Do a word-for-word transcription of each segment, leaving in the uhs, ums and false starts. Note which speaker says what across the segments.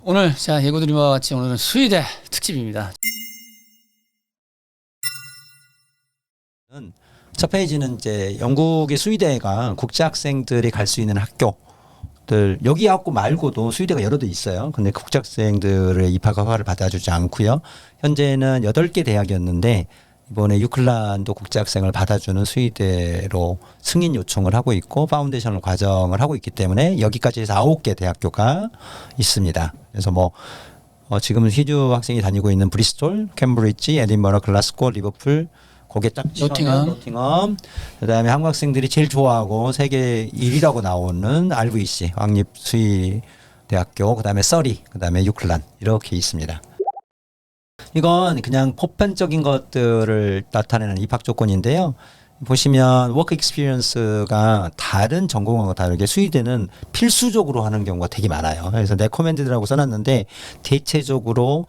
Speaker 1: 오늘 자 예고드린 바와 같이 오늘은 수의대 특집입니다.
Speaker 2: 첫 페이지는 이제 영국의 수의대가 국제 학생들이 갈 수 있는 학교들 여기 학교 말고도 수의대가 여러 대 있어요. 근데 국제 학생들의 입학 허가를 받아주지 않고요. 현재는 여덟 개 대학이었는데 이번에 유클란도 국제 학생을 받아주는 수의대로 승인 요청을 하고 있고 파운데이션 과정을 하고 있기 때문에 여기까지 해서 아홉 개 대학교가 있습니다. 그래서 뭐 어 지금은 희주 학생이 다니고 있는 브리스톨, 캠브리지, 에딘버러, 글라스고, 리버풀, 거기에 딱
Speaker 1: 노팅엄.
Speaker 2: 노팅엄. 그다음에 한국 학생들이 제일 좋아하고 세계 일 위라고 나오는 알브이씨 왕립 수의 대학교, 그다음에 서리, 그다음에 유클란 이렇게 있습니다. 이건 그냥 보편적인 것들을 나타내는 입학 조건인데요. 보시면 워크 익스피리언스가 다른 전공하고 다르게 수의대는 필수적으로 하는 경우가 되게 많아요. 그래서 레코멘드라고 써놨는데 대체적으로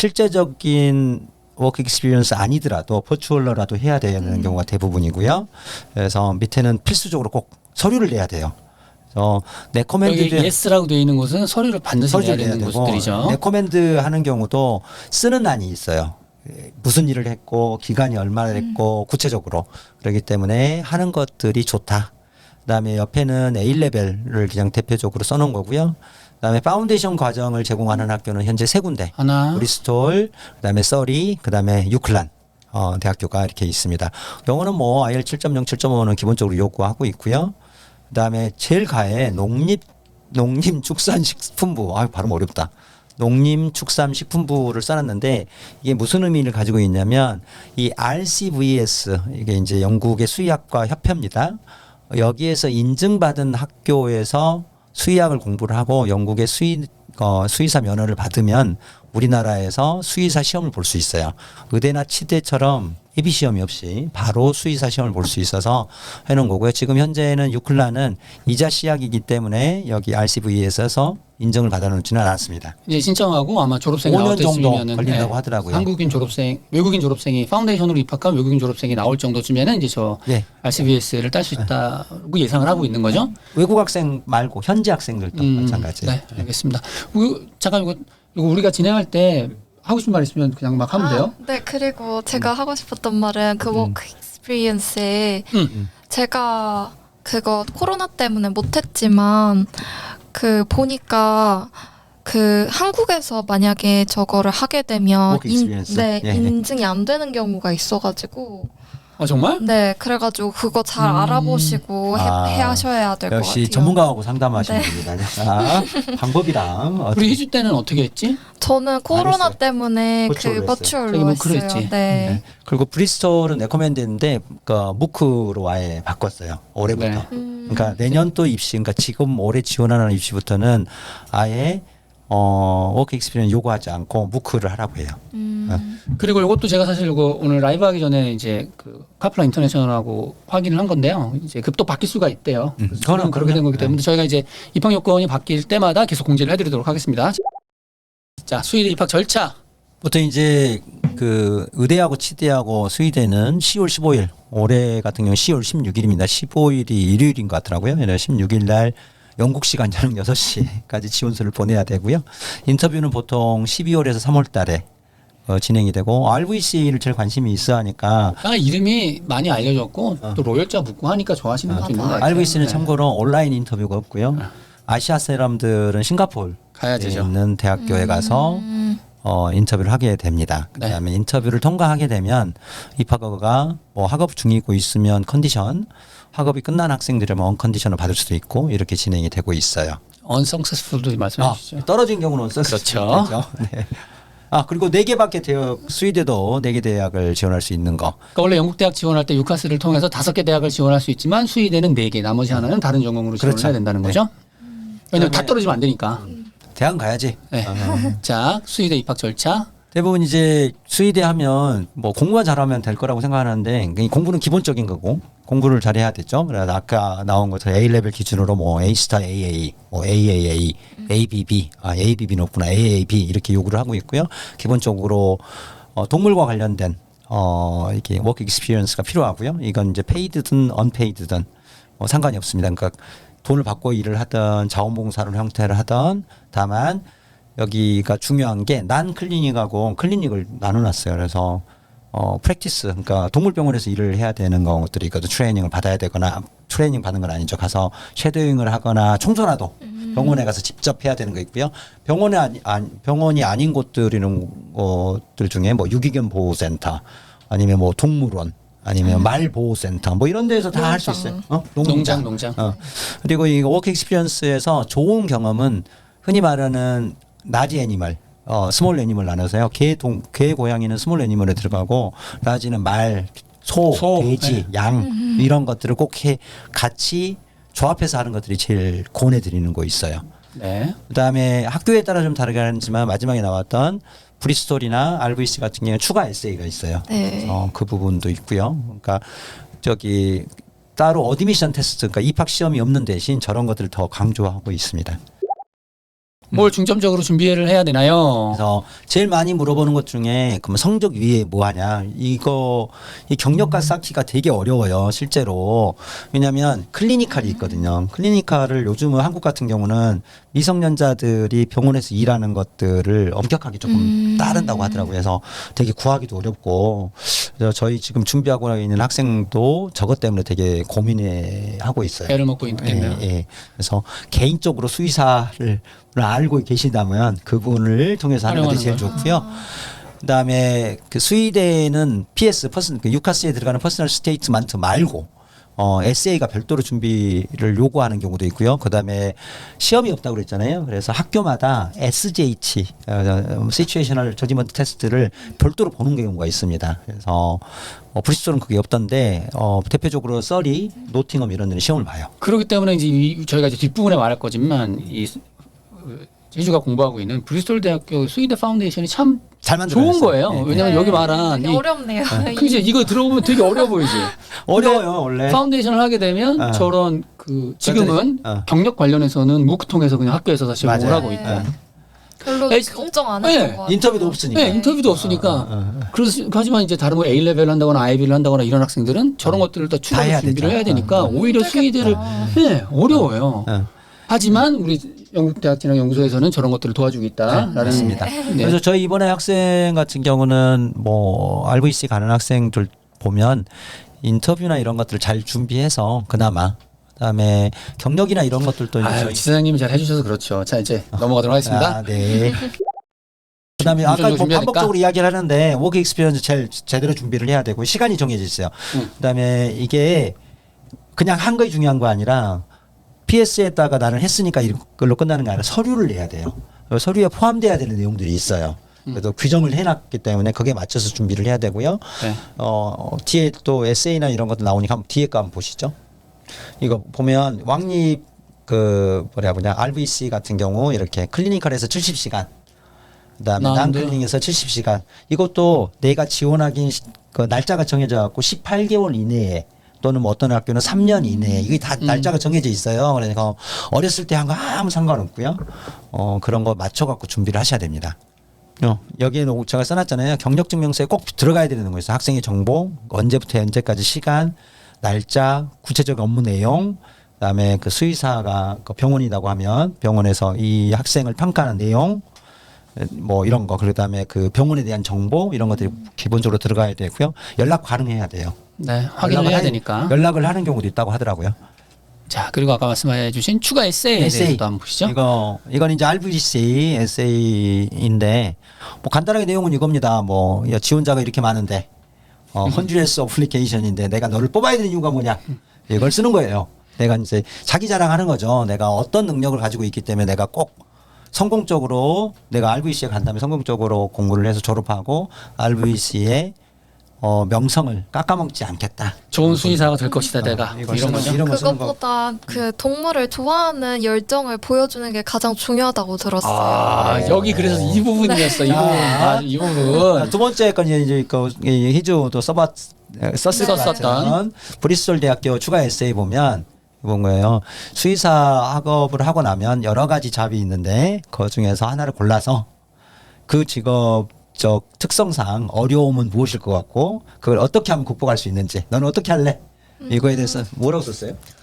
Speaker 2: 실제적인 워크 익스피리언스 아니더라도 퍼추얼러라도 해야 되는 음. 경우가 대부분이고요. 그래서 밑에는 필수적으로 꼭 서류를 내야 돼요. 그래서 레코멘드
Speaker 1: 여기 예스라고 되어 있는 곳은 서류를 반드시 내야 되는 곳들이죠.
Speaker 2: 레코멘드 하는 경우도 쓰는 안이 있어요. 무슨 일을 했고 기간이 얼마나 됐고 음. 구체적으로 그렇기 때문에 하는 것들이 좋다. 그다음에 옆에는 에이 레벨을 그냥 대표적으로 써놓은 거고요. 그다음에 파운데이션 과정을 제공하는 학교는 현재 세 군데.
Speaker 1: 하나.
Speaker 2: 브리스톨, 그다음에 서리, 그다음에 유클란 어, 대학교가 이렇게 있습니다. 영어는 뭐 아이엘츠 칠 점 영, 칠 점 오는 기본적으로 요구하고 있고요. 그다음에 제일 가에 농립 농림축산식품부. 아, 발음 어렵다. 농림축산식품부를 써놨는데 이게 무슨 의미를 가지고 있냐면 이 알씨브이에스 이게 이제 영국의 수의학과 협회입니다. 여기에서 인증받은 학교에서 수의학을 공부를 하고 영국의 수의 어, 수의사 면허를 받으면 우리나라에서 수의사 시험을 볼 수 있어요. 의대나 치대처럼 예비 시험이 없이 바로 수의사 시험을 볼 수 있어서 해놓은 거고요. 지금 현재는 유클란은 이자 시약이기 때문에 여기 알씨브이에스에서 인정을 받아놓지는 않았습니다.
Speaker 1: 이제 신청하고 아마 졸업생이
Speaker 2: 오 년
Speaker 1: 나올 때쯤이면은
Speaker 2: 정도 걸린다고
Speaker 1: 네,
Speaker 2: 하더라고요.
Speaker 1: 한국인 졸업생, 외국인 졸업생이 파운데이션으로 입학한 외국인 졸업생이 나올 정도쯤에는 이제 저
Speaker 2: 네.
Speaker 1: 알씨브이에스를 딸 수 있다고 예상을 하고 있는 거죠.
Speaker 2: 외국 학생 말고 현지 학생들도
Speaker 1: 음,
Speaker 2: 마찬가지.
Speaker 1: 네, 알겠습니다. 그, 잠깐 이거, 이거 우리가 진행할 때 하고 싶은 말 있으면 그냥 막 하면 돼요.
Speaker 3: 아, 네, 그리고 제가 음. 하고 싶었던 말은 그 워크 익스피리언스에
Speaker 1: 음.
Speaker 3: 제가 그거 코로나 때문에 못했지만 그 보니까 그 한국에서 만약에 저거를 하게 되면 인, 네,
Speaker 2: 예.
Speaker 3: 인증이 안 되는 경우가 있어가지고
Speaker 1: 아 정말?
Speaker 3: 네, 그래가지고 그거 잘
Speaker 1: 음.
Speaker 3: 알아보시고 해,
Speaker 2: 아,
Speaker 3: 해 하셔야 될 것 같아요.
Speaker 2: 역시 전문가하고 상담하시는
Speaker 3: 네.
Speaker 2: 분이다. 아, 방법이랑
Speaker 1: 우리 희주 때는 어떻게 했지?
Speaker 3: 저는 코로나
Speaker 2: 했어요.
Speaker 3: 때문에
Speaker 2: 버추얼로
Speaker 3: 그
Speaker 2: 했어요.
Speaker 3: 버추얼로
Speaker 1: 저기 무크로
Speaker 3: 했어요.
Speaker 1: 했지.
Speaker 3: 네.
Speaker 2: 네. 그리고 브리스톨은 레코멘드인데 그 무크로 아예 바꿨어요. 올해부터.
Speaker 1: 네.
Speaker 3: 음.
Speaker 2: 그러니까 내년 또 입시, 그러니까 지금 올해 지원하는 입시부터는 아예 어, 워크 익스피리언스 요구하지 않고 무크를 하라고 해요.
Speaker 3: 음.
Speaker 1: 그리고 이것도 제가 사실 이거 오늘 라이브 하기 전에 이제 그 카플라 인터내셔널하고 확인을 한 건데요. 이제 급도 바뀔 수가 있대요.
Speaker 2: 음,
Speaker 1: 그래서
Speaker 2: 그거는
Speaker 1: 그렇게 된 거기 때문에
Speaker 2: 네.
Speaker 1: 저희가 이제 입학 요건이 바뀔 때마다 계속 공지를 해드리도록 하겠습니다. 자, 수의대 입학 절차.
Speaker 2: 보통 이제 그 의대하고 치대하고 수의대는 시월 십오일, 올해 같은 경우 시월 십육일입니다. 십오일이 일요일인 것 같더라고요. 그래서 십육일 날 영국 시간 저녁 여섯 시까지 지원서를 보내야 되고요. 인터뷰는 보통 십이월에서 삼월 달에 어, 진행이 되고 알브이씨를 제일 관심이 있어 하니까
Speaker 1: 아, 이름이 많이 알려졌고
Speaker 2: 어.
Speaker 1: 또 로열자 묻고 하니까 좋아하시는 것도 있는 것 같아요.
Speaker 2: 알브이씨는
Speaker 1: 네.
Speaker 2: 참고로 온라인 인터뷰가 없고요. 아시아 사람들은 싱가포르에
Speaker 1: 가야 되죠.
Speaker 2: 있는 대학교에 가서
Speaker 3: 음.
Speaker 2: 어, 인터뷰를 하게 됩니다. 그다음에
Speaker 1: 네.
Speaker 2: 인터뷰를 통과하게 되면 입학허가가 뭐 학업 중이고 있으면 컨디션, 학업이 끝난 학생들이면 언컨디션을 받을 수도 있고 이렇게 진행이 되고 있어요.
Speaker 1: 언성세스풀도 말씀해
Speaker 2: 아,
Speaker 1: 주시죠.
Speaker 2: 떨어진 경우는 없었을 수
Speaker 1: 그렇죠.
Speaker 2: 있겠죠. 네. 아, 그리고 네 개밖에 대학 수의대도 네 개 대학을 지원할 수 있는 거.
Speaker 1: 그러니까 원래 영국 대학 지원할 때 유카스를 통해서 다섯 개 대학을 지원할 수 있지만 수의대는 네 개, 나머지 하나는 다른 전공으로 지원을
Speaker 2: 그렇죠.
Speaker 1: 해야 된다는
Speaker 2: 네.
Speaker 1: 거죠. 왜냐면 다
Speaker 2: 그다음에-
Speaker 1: 떨어지면 안 되니까.
Speaker 2: 대학 가야지.
Speaker 1: 네.
Speaker 2: 어.
Speaker 1: 자, 수의대 입학 절차.
Speaker 2: 대부분 이제 수의대 하면 뭐 공부만 잘하면 될 거라고 생각하는데 공부는 기본적인 거고 공부를 잘해야 되죠. 그래서 아까 나온 것처럼 A 레벨 기준으로 뭐 A 스타 에이에이, 뭐 에이에이에이, 에이비비, 아 에이비비 높구나, 에이에이비 이렇게 요구를 하고 있고요. 기본적으로 어, 동물과 관련된 어 이렇게 워크 익스피리언스가 필요하고요. 이건 이제 페이드든 언페이드든 뭐 상관이 없습니다. 그러니까 돈을 받고 일을 하든 자원봉사를 형태를 하든 다만 여기가 중요한 게 난 클리닉하고 클리닉을 나눠놨어요. 그래서 어 프랙티스 그러니까 동물병원에서 일을 해야 되는 것들이 있거든. 트레이닝을 받아야 되거나 트레이닝 받는 건 아니죠. 가서 쉐도잉을 하거나 청소라도 병원에 가서 직접 해야 되는 거 있고요. 병원에 아니, 아니 병원이 아닌 곳들이는 것들 중에 뭐 유기견 보호센터 아니면 뭐 동물원 아니면 말 보호센터 뭐 이런 데서 다 할 수 있어요. 어?
Speaker 1: 농장, 농장.
Speaker 2: 어. 그리고 이 워크 익스피리언스에서 좋은 경험은 흔히 말하는 나지 애니멀, 어, 스몰 애니멀 나눠서요. 개, 동, 개, 고양이는 스몰 애니멀에 들어가고 나지는 말, 소,
Speaker 1: 소,
Speaker 2: 돼지, 양 이런 것들을 꼭 해, 같이 조합해서 하는 것들이 제일 권해드리는 거 있어요.
Speaker 1: 네.
Speaker 2: 그다음에 학교에 따라 좀 다르긴 하지만 마지막에 나왔던 브리스톨이나 알브이씨 같은 경우는 추가 에세이가 있어요.
Speaker 3: 네.
Speaker 2: 어, 그 부분도 있고요. 그러니까 저기 따로 어드미션 테스트, 그러니까 입학 시험이 없는 대신 저런 것들을 더 강조하고 있습니다.
Speaker 1: 뭘 중점적으로 준비를 해야 되나요?
Speaker 2: 그래서 제일 많이 물어보는 것 중에 그럼 성적 위에 뭐 하냐 이거 이 경력과 쌓기가 되게 어려워요 실제로. 왜냐하면 클리니컬이 있거든요. 클리니컬을 요즘은 한국 같은 경우는 미성년자들이 병원에서 일하는 것들을 엄격하게 조금
Speaker 3: 음.
Speaker 2: 따른다고 하더라고요. 그래서 되게 구하기도 어렵고 그래서 저희 지금 준비하고 있는 학생도 저것 때문에 되게 고민해 하고 있어요.
Speaker 1: 애를 먹고 있겠네요.
Speaker 2: 예, 예. 그래서 개인적으로 수의사를 알고 계시다면 그분을 통해서 하는 것이 제일
Speaker 1: 활용하는
Speaker 2: 좋고요. 그다음에 그 수의대는 피에스 퍼슨 그 유카스에 들어가는 퍼스널 스테이트먼트 말고 어 에세이가 별도로 준비를 요구하는 경우도 있고요. 그다음에 시험이 없다고 그랬잖아요. 그래서 학교마다 에스지에이치 어, 시츄에이셔널 저지먼트 테스트를 별도로 보는 경우가 있습니다. 그래서 어, 브리스톨은 그게 없던데 어, 대표적으로 서리, 노팅엄 이런 데는 시험을 봐요.
Speaker 1: 그렇기 때문에 이제 이, 저희가 이제 뒷부분에 말할 거지만 이 제주가 공부하고 있는 브리스톨 대학교 수의대 파운데이션이 참
Speaker 2: 잘 만들어냈어요.
Speaker 1: 좋은 거예요.
Speaker 2: 네.
Speaker 1: 왜냐하면
Speaker 3: 네.
Speaker 1: 여기 말한
Speaker 3: 되게
Speaker 1: 이,
Speaker 3: 어렵네요.
Speaker 1: 그지 이거 들어보면 되게 어려워 보이지.
Speaker 2: 어려워요 원래.
Speaker 1: 파운데이션을 하게 되면
Speaker 2: 어.
Speaker 1: 저런 그 지금은
Speaker 2: 어.
Speaker 1: 경력 관련해서는 무크 통해서 그냥 학교에서 사실
Speaker 2: 맞아요.
Speaker 1: 뭘 하고 있고.
Speaker 2: 네.
Speaker 3: 별로
Speaker 1: 에이,
Speaker 3: 걱정 안
Speaker 1: 네.
Speaker 3: 했던 것 같아요.
Speaker 2: 인터뷰도 없으니까.
Speaker 1: 네, 인터뷰도 없으니까.
Speaker 2: 어, 어, 어.
Speaker 1: 그래서 하지만 이제 다른 뭐 A 레벨 한다거나 아이비를 한다거나 이런 학생들은 저런 것들을 다 추가로
Speaker 2: 해야
Speaker 1: 준비를
Speaker 2: 되죠.
Speaker 1: 해야 되니까
Speaker 2: 어, 어.
Speaker 1: 오히려 수의대를
Speaker 3: 힘들겠다.
Speaker 1: 네, 어려워요.
Speaker 2: 어.
Speaker 1: 하지만 우리 영국대학진학연구소에서는 저런 것들을 도와주고 있다라는
Speaker 2: 맞습니다.
Speaker 1: 네.
Speaker 2: 그래서 저희 이번에 학생 같은 경우는 뭐 알브이씨 가는 학생들 보면 인터뷰나 이런 것들을 잘 준비해서 그나마 그다음에 경력이나 이런 것들도 이제
Speaker 1: 아유,
Speaker 2: 저희-
Speaker 1: 지사장님이 잘 해주셔서 그렇죠. 자 이제 넘어가도록 하겠습니다.
Speaker 2: 아, 네. 그다음에
Speaker 1: 어느
Speaker 2: 아까
Speaker 1: 정도
Speaker 2: 뭐
Speaker 1: 준비해야
Speaker 2: 반복적으로 이야기를 하는데 워크 익스피리언스 제일 제대로 준비를 해야 되고 시간이 정해져 있어요.
Speaker 1: 응.
Speaker 2: 그다음에 이게 그냥 한 거이 중요한 거 아니라 피에스에다가 나는 했으니까 이걸로 끝나는 게 아니라 서류를 내야 돼요. 서류에 포함돼야 되는 내용들이 있어요. 그래도 규정을 해놨기 때문에 거기에 맞춰서 준비를 해야 되고요.
Speaker 1: 네.
Speaker 2: 어, 뒤에 또 에세이나 이런 것도 나오니까 한번 뒤에 거 한번 보시죠. 이거 보면 왕립 그 뭐라 그러냐 알브이씨 같은 경우 이렇게 클리니컬에서 칠십 시간 그다음에
Speaker 1: 나은데.
Speaker 2: 난클리닉에서 칠십 시간 이것도 내가 지원하기 그 날짜가 정해져 갖고 십팔 개월 이내에 또는 뭐 어떤 학교는 삼 년 이내에 이게 다
Speaker 1: 음.
Speaker 2: 날짜가 정해져 있어요. 그러니까 어렸을 때 한 거 아무 상관없고요. 어 그런 거 맞춰 갖고 준비를 하셔야 됩니다. 어, 여기에는 제가 써놨잖아요. 경력증명서에 꼭 들어가야 되는 거예요. 학생의 정보, 언제부터 언제까지 시간, 날짜, 구체적 업무 내용, 그다음에 그 수의사가 그 병원이라고 하면 병원에서 이 학생을 평가하는 내용, 뭐 이런 거, 그다음에 그 병원에 대한 정보 이런 것들이 기본적으로 들어가야 되고요. 연락 가능해야 돼요.
Speaker 1: 네, 확인을
Speaker 2: 연락을
Speaker 1: 해야
Speaker 2: 하-
Speaker 1: 되니까.
Speaker 2: 연락을 하는 경우도 있다고 하더라고요.
Speaker 1: 자 그리고 아까 말씀해주신 추가 에세이에
Speaker 2: 에세이.
Speaker 1: 대해서도 한번 보시죠.
Speaker 2: 이거 이건 이제 알브이씨 에세이인데 뭐 간단하게 내용은 이겁니다. 뭐 야, 지원자가 이렇게 많은데 어, 헌주레스 어플리케이션인데 내가 너를 뽑아야 되는 이유가 뭐냐 이걸 쓰는 거예요. 내가 이제 자기 자랑하는 거죠. 내가 어떤 능력을 가지고 있기 때문에 내가 꼭 성공적으로 내가 알브이씨에 간 다음에 성공적으로 공부를 해서 졸업하고 알브이씨의 어, 명성을 깎아먹지 않겠다.
Speaker 1: 좋은 수의사가 될 것이다
Speaker 2: 어,
Speaker 1: 내가
Speaker 2: 이걸
Speaker 1: 이런
Speaker 2: 쓰는
Speaker 1: 거죠.
Speaker 2: 이런 거 쓰는 거.
Speaker 3: 그것보다 그 동물을 좋아하는 열정을 보여주는 게 가장 중요하다고 들었어요.
Speaker 1: 아 여기 그래서 이 부분이었어. 이 부분.
Speaker 2: 아.
Speaker 1: 아, 이 부분.
Speaker 2: 두 번째 건 이제 그 히주도 써봤 썼을 것
Speaker 1: 썼었던.
Speaker 2: 같은 브리스톨 대학교 추가 에세이 보면 본 거예요. 수의사 학업을 하고 나면 여러 가지 잡이 있는데 그 중에서 하나를 골라서 그 직업적 특성상 어려움은 무엇일 것 같고 그걸 어떻게 하면 극복할 수 있는지 너는 어떻게 할래? 이거에 대해서 뭐라고 썼어요?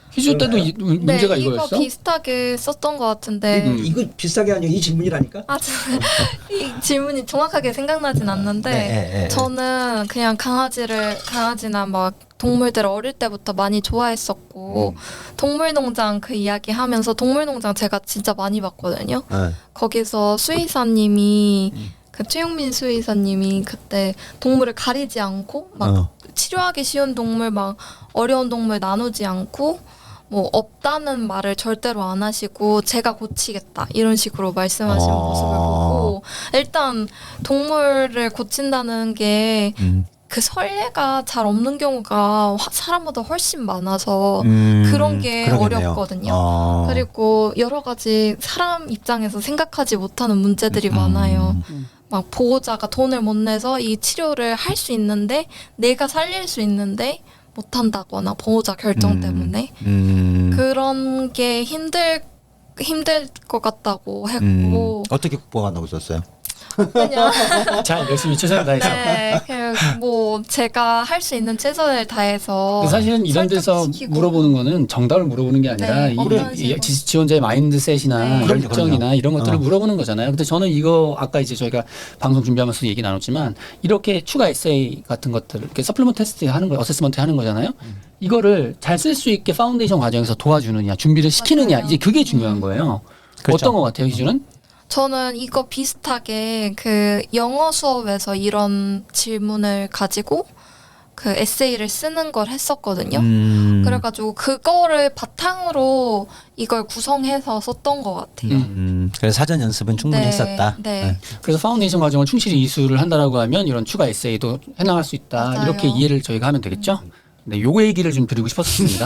Speaker 1: 희주 때도 이, 문제가
Speaker 3: 네,
Speaker 1: 이거였어?
Speaker 3: 이거 비슷하게 썼던 것 같은데.
Speaker 1: 음.
Speaker 2: 이거 비슷하게 아니고 이 질문이라니까.
Speaker 3: 아, 저, 이 질문이 정확하게 생각나진 않는데
Speaker 2: 네, 네, 네.
Speaker 3: 저는 그냥 강아지를 강아지나 막 동물들을 어릴 때부터 많이 좋아했었고 동물농장 그 이야기 하면서 동물농장 제가 진짜 많이 봤거든요.
Speaker 2: 네.
Speaker 3: 거기서 수의사님이 그 최용민 수의사님이 그때 동물을 가리지 않고 막
Speaker 2: 어.
Speaker 3: 치료하기 쉬운 동물 막 어려운 동물 나누지 않고 뭐 없다는 말을 절대로 안 하시고 제가 고치겠다 이런 식으로 말씀하시는
Speaker 2: 어.
Speaker 3: 모습을 보고 일단 동물을 고친다는 게 그
Speaker 2: 음.
Speaker 3: 선례가 잘 없는 경우가 화- 사람보다 훨씬 많아서
Speaker 2: 음,
Speaker 3: 그런 게
Speaker 2: 그러겠네요.
Speaker 3: 어렵거든요.
Speaker 2: 어.
Speaker 3: 그리고 여러 가지 사람 입장에서 생각하지 못하는 문제들이
Speaker 2: 음.
Speaker 3: 많아요.
Speaker 1: 음.
Speaker 3: 막 보호자가 돈을 못 내서 이 치료를 할 수 있는데 내가 살릴 수 있는데 못 한다거나 보호자 결정
Speaker 2: 음.
Speaker 3: 때문에
Speaker 2: 음.
Speaker 3: 그런 게 힘들 힘들 것 같다고
Speaker 2: 음.
Speaker 3: 했고
Speaker 2: 어떻게 극복한다고 썼어요?
Speaker 3: 그냥
Speaker 1: 잘 열심히 최선을 다해서.
Speaker 3: 네, 그냥 뭐 제가 할 수 있는 최선을 다해서
Speaker 1: 근데 사실은 이런 데서
Speaker 3: 설득시키고.
Speaker 1: 물어보는 거는 정답을 물어보는 게 아니라
Speaker 3: 네,
Speaker 1: 이,
Speaker 3: 어떤
Speaker 1: 이
Speaker 3: 식으로.
Speaker 1: 지- 지원자의 마인드셋이나
Speaker 3: 네.
Speaker 2: 그럼요,
Speaker 1: 열정이나
Speaker 2: 그럼요.
Speaker 1: 이런 것들을
Speaker 2: 어.
Speaker 1: 물어보는 거잖아요. 근데 저는 이거 아까 이제 저희가 방송 준비하면서 얘기 나눴지만 이렇게 추가 에세이 같은 것들, 이렇게 서플리먼트 테스트 하는 거, 어세스먼트 하는 거잖아요. 이거를 잘 쓸 수 있게 파운데이션 과정에서 도와주느냐, 준비를 시키느냐,
Speaker 3: 맞아요.
Speaker 1: 이제 그게 중요한 거예요.
Speaker 2: 그렇죠.
Speaker 1: 어떤 것 같아요, 희주는?
Speaker 3: 저는 이거 비슷하게 그 영어 수업에서 이런 질문을 가지고 그 에세이를 쓰는 걸 했었거든요.
Speaker 2: 음.
Speaker 3: 그래가지고 그거를 바탕으로 이걸 구성해서 썼던 것 같아요.
Speaker 1: 음.
Speaker 2: 음. 그래서 사전 연습은 충분히
Speaker 3: 네,
Speaker 2: 했었다.
Speaker 3: 네.
Speaker 1: 그래서 파운데이션 과정을 충실히 이수를 한다라고 하면 이런 추가 에세이도 해나갈 수 있다.
Speaker 3: 맞아요.
Speaker 1: 이렇게 이해를 저희가 하면 되겠죠. 네, 요거 얘기를 좀 드리고 싶었습니다.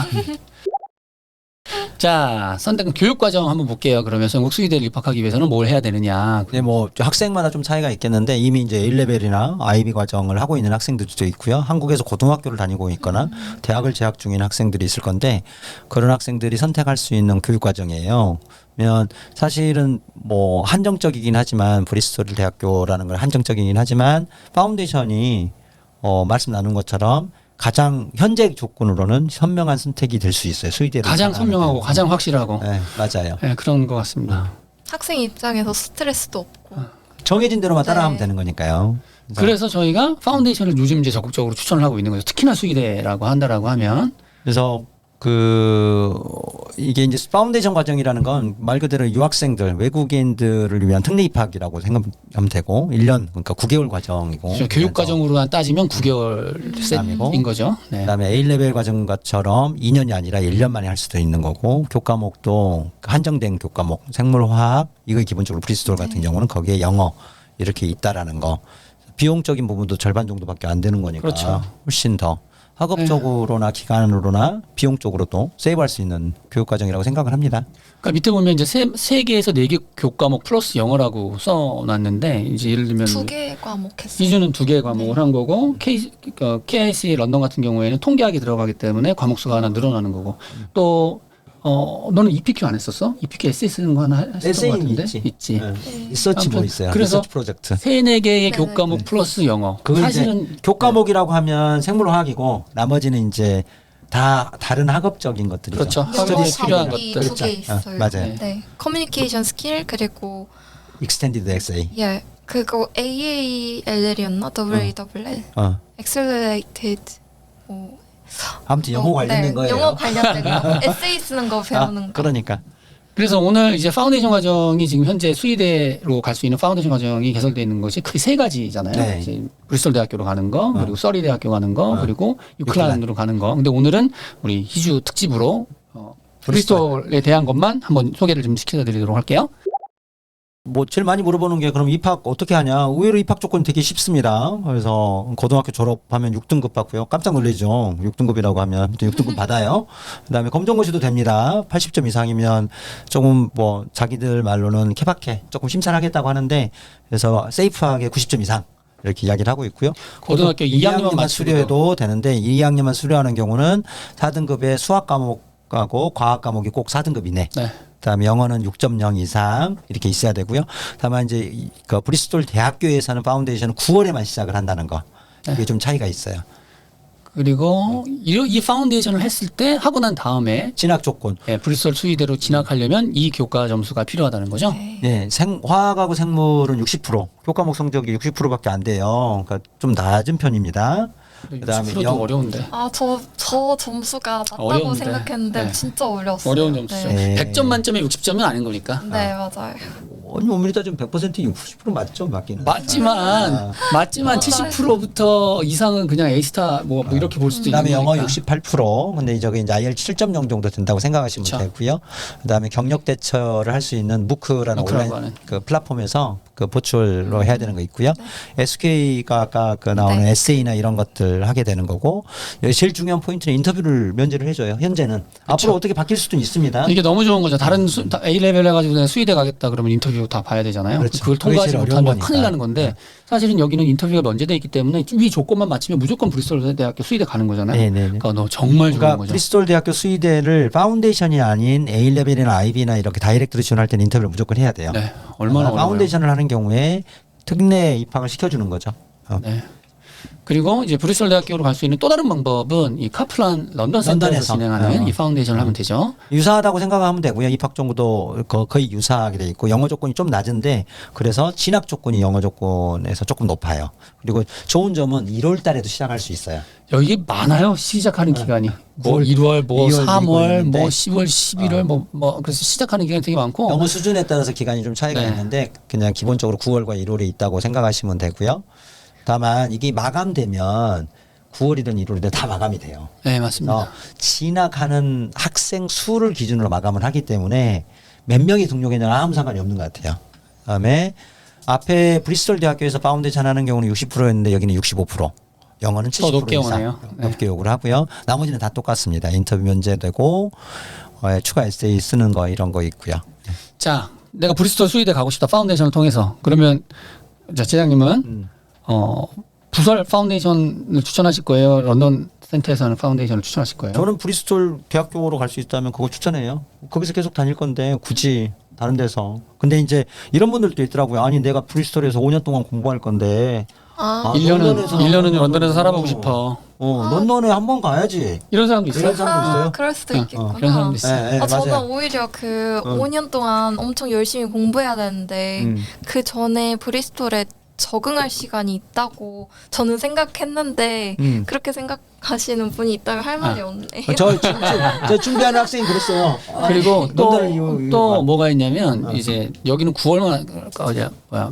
Speaker 1: 자, 선택 교육 과정 한번 볼게요. 그러면 영국 수의대를 입학하기 위해서는 뭘 해야 되느냐.
Speaker 2: 근데 뭐 학생마다 좀 차이가 있겠는데 이미 이제 일 레벨이나 아이비 과정을 하고 있는 학생들도 있고요. 한국에서 고등학교를 다니고 있거나 대학을 재학 중인 학생들이 있을 건데 그런 학생들이 선택할 수 있는 교육 과정이에요. 면 사실은 뭐 한정적이긴 하지만 브리스톨 대학교라는 건 한정적이긴 하지만 파운데이션이 어 말씀 나눈 것처럼 가장 현재 조건으로는 현명한 선택이 될 수 있어요. 수의대를
Speaker 1: 가장
Speaker 2: 입학하는
Speaker 1: 선명하고
Speaker 2: 데는.
Speaker 1: 가장 확실하고.
Speaker 2: 네, 맞아요.
Speaker 1: 네, 그런 것 같습니다.
Speaker 3: 학생 입장에서 스트레스도 없고.
Speaker 2: 정해진 대로만
Speaker 3: 네.
Speaker 2: 따라하면 되는 거니까요. 그래서
Speaker 1: 그래서 저희가 파운데이션을 요즘 이제 적극적으로 추천을 하고 있는 거죠. 특히나 수의대라고 한다라고 하면.
Speaker 2: 그래서 그 이게 이제 파운데이션 과정이라는 건 말 그대로 유학생들 외국인들을 위한 특례 입학이라고 생각하면 되고 일 년 그러니까 구 개월 과정이고
Speaker 1: 그렇죠. 교육 과정으로 따지면 구 개월
Speaker 2: 그다음이고
Speaker 1: 셋인 거죠. 네.
Speaker 2: 그다음에 A 레벨 과정처럼 이 년이 아니라 일 년 만에 할 수도 있는 거고 교과목도 한정된 교과목 생물화학 이거 기본적으로 브리스톨 같은 경우는 거기에 영어 이렇게 있다라는 거 비용적인 부분도 절반 정도밖에 안 되는 거니까
Speaker 1: 그렇죠.
Speaker 2: 훨씬 더 학업적으로나 기간으로나 비용적으로도 세이브할 수 있는 교육 과정이라고 생각을 합니다.
Speaker 1: 그러니까 밑에 보면 이제 세, 세 개에서 네 개 교과목 플러스 영어라고 써놨는데 이제 예를 들면
Speaker 3: 두 개 과목 했어요.
Speaker 1: 희주는 두 개 과목을 한 거고 K, 어, 케이아이씨 런던 같은 경우에는 통계학이 들어가기 때문에 과목 수가 하나 늘어나는 거고 또 어, 너는 이피큐 안 했었어? 이피큐 에세이 쓰는 거 하나 했었던 것
Speaker 2: 에세이는
Speaker 1: 같은데?
Speaker 2: 있지.
Speaker 1: 있지.
Speaker 2: 네. 리서치 뭐
Speaker 1: 아무튼
Speaker 2: 있어요.
Speaker 1: 그래서
Speaker 2: 리서치 프로젝트.
Speaker 1: 세네 개의
Speaker 3: 네네.
Speaker 1: 교과목 플러스 영어.
Speaker 2: 그건
Speaker 1: 사실은
Speaker 2: 이제 교과목이라고 하면 생물화학이고 나머지는 이제 다 다른 학업적인 것들이죠.
Speaker 1: 그렇죠.
Speaker 3: 영어
Speaker 1: 학업에 필요한
Speaker 3: 과목이
Speaker 1: 것들.
Speaker 3: 두 개 있어요.
Speaker 2: 어, 맞아요.
Speaker 1: 네.
Speaker 3: 네, 커뮤니케이션 스킬 그리고
Speaker 2: 익스텐디드 에세이.
Speaker 3: 예 그거 에이에이엘엘이었나 더블유에이더블유엘
Speaker 2: 어.
Speaker 3: Accelerated 뭐
Speaker 2: 아무튼 영어
Speaker 3: 어,
Speaker 2: 관련된
Speaker 3: 네,
Speaker 2: 거예요.
Speaker 3: 영어 관련된 거 에세이 쓰는 거 배우는
Speaker 2: 아,
Speaker 3: 거.
Speaker 2: 그러니까.
Speaker 1: 그래서 오늘 이제 파운데이션 과정이 지금 현재 수의대로 갈 수 있는 파운데이션 과정이 개설되어 있는 것이 크게 세 가지잖아요.
Speaker 2: 네.
Speaker 1: 이제 브리스톨 대학교로 가는 거, 그리고 서리 대학교 가는 거,
Speaker 2: 어.
Speaker 1: 그리고 유클란으로 가는 거. 근데 오늘은 우리 희주 특집으로 어, 브리스톨에 대한 것만 한번 소개를 좀 시켜드리도록 할게요.
Speaker 2: 뭐 제일 많이 물어보는 게 그럼 입학 어떻게 하냐? 의외로 입학 조건 되게 쉽습니다. 그래서 고등학교 졸업하면 육 등급 받고요. 깜짝 놀라죠. 육 등급이라고 하면 아무튼 육 등급 받아요. 그다음에 검정고시도 됩니다. 팔십 점 이상이면 조금 뭐 자기들 말로는 케바케 조금 심사를 하겠다고 하는데 그래서 세이프하게 구십 점 이상 이렇게 이야기를 하고 있고요.
Speaker 1: 고등학교 이 학년만 맞추고도.
Speaker 2: 수료해도 되는데 이 학년만 수료하는 경우는 사 등급의 수학 과목하고 과학 과목이 꼭 사 등급 이내.
Speaker 1: 네.
Speaker 2: 그다음에 영어는 육 점 영 이상 이렇게 있어야 되고요. 다만 이제 이- 그 브리스톨 대학교에서는 파운데이션은 구월에만 시작을 한다는 거. 이게 좀 차이가 있어요.
Speaker 1: 그리고 이, 이 파운데이션을 했을 때 하고 난 다음에
Speaker 2: 진학 조건.
Speaker 1: 예, 브리스톨 수의대로 진학하려면 이 교과 점수가 필요하다는 거죠.
Speaker 3: 네.
Speaker 2: 네, 생, 화학하고 생물은 육십 퍼센트, 교과목 성적이 육십 퍼센트밖에 안 돼요. 그러니까 좀 낮은 편입니다. 그다음에
Speaker 1: 육십 퍼센트도
Speaker 2: 영-
Speaker 1: 어려운데.
Speaker 3: 아, 저, 저 점수가 낮다고
Speaker 1: 어려운데.
Speaker 3: 생각했는데
Speaker 1: 네.
Speaker 3: 진짜 어려웠어요.
Speaker 1: 어려운 점수죠.
Speaker 3: 네,
Speaker 2: 네.
Speaker 1: 백 점 만점에 육십 점은 아닌 거니까.
Speaker 3: 네 맞아요.
Speaker 2: 아니, 엄밀히 따지면 백 퍼센트 육십 퍼센트 맞죠? 맞기는.
Speaker 1: 맞지만
Speaker 2: 아.
Speaker 1: 맞지만 칠십 퍼센트부터 이상은 그냥 A스타 뭐, 뭐 이렇게 볼 수도 있는
Speaker 2: 그다음에 영어
Speaker 1: 거니까.
Speaker 2: 육십팔 퍼센트. 근데 저게 이제 아이엘츠 칠 점 영 정도 된다고 생각하시면
Speaker 1: 그쵸.
Speaker 2: 되고요. 그다음에 경력 대처를 할 수 있는 무크라는
Speaker 1: 무크라고
Speaker 2: 온라인
Speaker 1: 하는.
Speaker 2: 그 플랫폼에서 그 보출로 해야 되는 거 있고요. 에스케이가 아까 그 나오는
Speaker 3: 네.
Speaker 2: 에세이나 이런 것들 하게 되는 거고, 여기 제일 중요한 포인트는 인터뷰를 면제를 해줘요. 현재는 앞으로 어떻게 바뀔 수도 있습니다.
Speaker 1: 이게 너무 좋은 거죠. 다른 수, 다 A 레벨 해가지고 그냥 수의대 가겠다 그러면 인터뷰 다 봐야 되잖아요.
Speaker 2: 그렇죠.
Speaker 1: 그걸
Speaker 2: 그게
Speaker 1: 통과하지
Speaker 2: 제일 어려운
Speaker 1: 못하면
Speaker 2: 거니까.
Speaker 1: 큰일 나는 건데 사실은 여기는 인터뷰가 면제돼 있기 때문에 위 조건만 맞추면 무조건 브리스톨 대학교 수의대 가는 거잖아요.
Speaker 2: 네네네.
Speaker 1: 그러니까 너 정말 좋은
Speaker 2: 그러니까
Speaker 1: 거죠.
Speaker 2: 브리스톨 대학교 수의대를 파운데이션이 아닌 A 레벨이나 아이비나 이렇게 다이렉트로 지원할 때는 인터뷰를 무조건 해야 돼요.
Speaker 1: 네, 얼마나 어려워요.
Speaker 2: 파운데이션을 하는 경우에 특례 입학을 시켜주는 거죠. 어.
Speaker 1: 네. 그리고 이제 브리스톨 대학교로 갈 수 있는 또 다른 방법은 이 카플란 런던 센터에서
Speaker 2: 런던에서.
Speaker 1: 진행하는
Speaker 2: 어.
Speaker 1: 이 파운데이션을 하면 되죠.
Speaker 2: 유사하다고 생각하면 되고요. 입학 정도 거- 거의 유사하게 돼 있고 영어 조건이 좀 낮은데 그래서 진학 조건이 영어 조건에서 조금 높아요. 그리고 좋은 점은 일월 달에도 시작할 수 있어요.
Speaker 1: 여기 많아요. 시작하는 기간이. 뭐
Speaker 2: 구월,
Speaker 1: 일월, 뭐
Speaker 2: 이월
Speaker 1: 삼월,
Speaker 2: 있는데.
Speaker 1: 뭐 시월, 십일월,
Speaker 2: 어.
Speaker 1: 뭐, 뭐 그래서 시작하는 기간이 되게 많고.
Speaker 2: 영어 수준에 따라서 기간이 좀 차이가
Speaker 1: 네.
Speaker 2: 있는데 그냥 기본적으로 구월과 일월에 있다고 생각하시면 되고요. 다만 이게 마감되면 구월이든 일월이든 다 마감이 돼요.
Speaker 1: 네, 맞습니다.
Speaker 2: 어, 진학하는 학생 수를 기준으로 마감을 하기 때문에 몇 명이 등록했냐는 아무 상관이 없는 것 같아요. 그다음에 앞에 브리스톨 대학교에서 파운데이션 하는 경우는 육십 퍼센트였는데 여기는 육십오 퍼센트. 영어는 칠십 퍼센트
Speaker 1: 높게
Speaker 2: 이상
Speaker 1: 오네요. 네.
Speaker 2: 높게 요구를 하고요. 나머지는 다 똑같습니다. 인터뷰 면제되고 어, 추가 에세이 쓰는 거 이런 거 있고요.
Speaker 1: 자, 내가 브리스톨 수의대 가고 싶다. 파운데이션을 통해서. 그러면 자, 제장님은
Speaker 2: 음.
Speaker 1: 어, 부설 파운데이션을 추천하실 거예요? 런던 센터에서 하는 파운데이션을 추천하실 거예요?
Speaker 2: 저는 브리스톨 대학교로 갈 수 있다면 그거 추천해요. 거기서 계속 다닐 건데 굳이 다른 데서. 근데 이제 이런 분들도 있더라고요. 아니 내가 브리스톨에서 오 년 동안 공부할 건데
Speaker 3: 아,
Speaker 1: 일 년은
Speaker 2: 런던에서
Speaker 1: 일 년은
Speaker 2: 한번
Speaker 1: 런던에서 살아보고
Speaker 2: 어.
Speaker 1: 싶어.
Speaker 2: 어, 런던에 한 번 가야지.
Speaker 1: 이런 사람도 있어요.
Speaker 2: 이런 사람도 있어요?
Speaker 3: 아, 그럴 수도
Speaker 1: 어,
Speaker 3: 있겠구나.
Speaker 1: 그런 사람도 있어요.
Speaker 2: 네, 네,
Speaker 3: 아, 저는
Speaker 2: 맞아요.
Speaker 3: 오히려 그
Speaker 2: 어.
Speaker 3: 오 년 동안 엄청 열심히 공부해야 되는데
Speaker 2: 음.
Speaker 3: 그 전에 브리스톨에 적응할 시간이 있다고 저는 생각했는데
Speaker 2: 음.
Speaker 3: 그렇게 생각하시는 분이 있다면 할 말이
Speaker 1: 아.
Speaker 3: 없네요.
Speaker 2: 저, 저, 저, 저 준비하는 학생이 그랬어요.
Speaker 1: 그리고 또,
Speaker 2: 런던을 이거- 이거
Speaker 1: 또
Speaker 2: 봐.
Speaker 1: 뭐가 있냐면
Speaker 2: 어.
Speaker 1: 이제 여기는 구월만 어디야 뭐야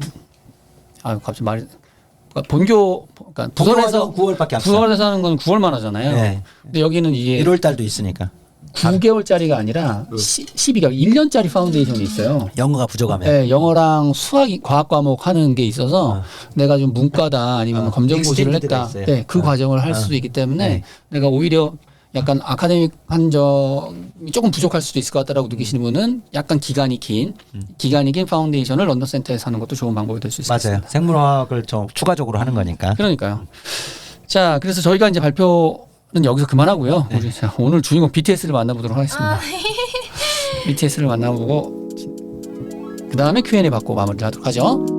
Speaker 1: 아 갑자기 말이 그러니까 본교 그러니까 부설에서
Speaker 2: 구월밖에 안
Speaker 1: 부설에서 하는 건 구월만 하잖아요.
Speaker 2: 네.
Speaker 1: 근데 여기는 이게
Speaker 2: 일월 달도 있으니까.
Speaker 1: 구 개월짜리가 아니라 시, 십이 개월 일 년짜리 파운데이션이 있어요.
Speaker 2: 영어가 부족하면.
Speaker 1: 네, 영어랑 수학 과학 과목 하는 게 있어서
Speaker 2: 어.
Speaker 1: 내가 좀 문과다 아니면
Speaker 2: 어,
Speaker 1: 검정고시를
Speaker 2: 익스텐디드가
Speaker 1: 했다.
Speaker 2: 있어요.
Speaker 1: 네, 그
Speaker 2: 어.
Speaker 1: 과정을 할
Speaker 2: 어.
Speaker 1: 수도 있기 때문에
Speaker 2: 네.
Speaker 1: 내가 오히려 약간 아카데믹 한 점이 조금 부족할 수도 있을 것 같다라고 느끼시는 분은 약간 기간이 긴 기간이 긴 파운데이션을 런던 센터에서 하는 것도 좋은 방법이 될 수 있습니다.
Speaker 2: 맞아요. 생물화학을 좀 추가적으로 하는 거니까.
Speaker 1: 그러니까요. 자, 그래서 저희가 이제 발표는 여기서 그만하고요.
Speaker 2: 네.
Speaker 1: 우리 자, 오늘 주인공 비티에스를 만나보도록 하겠습니다.
Speaker 3: 아,
Speaker 1: 비티에스를 만나보고 그 다음에 큐 앤 에이 받고 마무리를 하도록 하죠.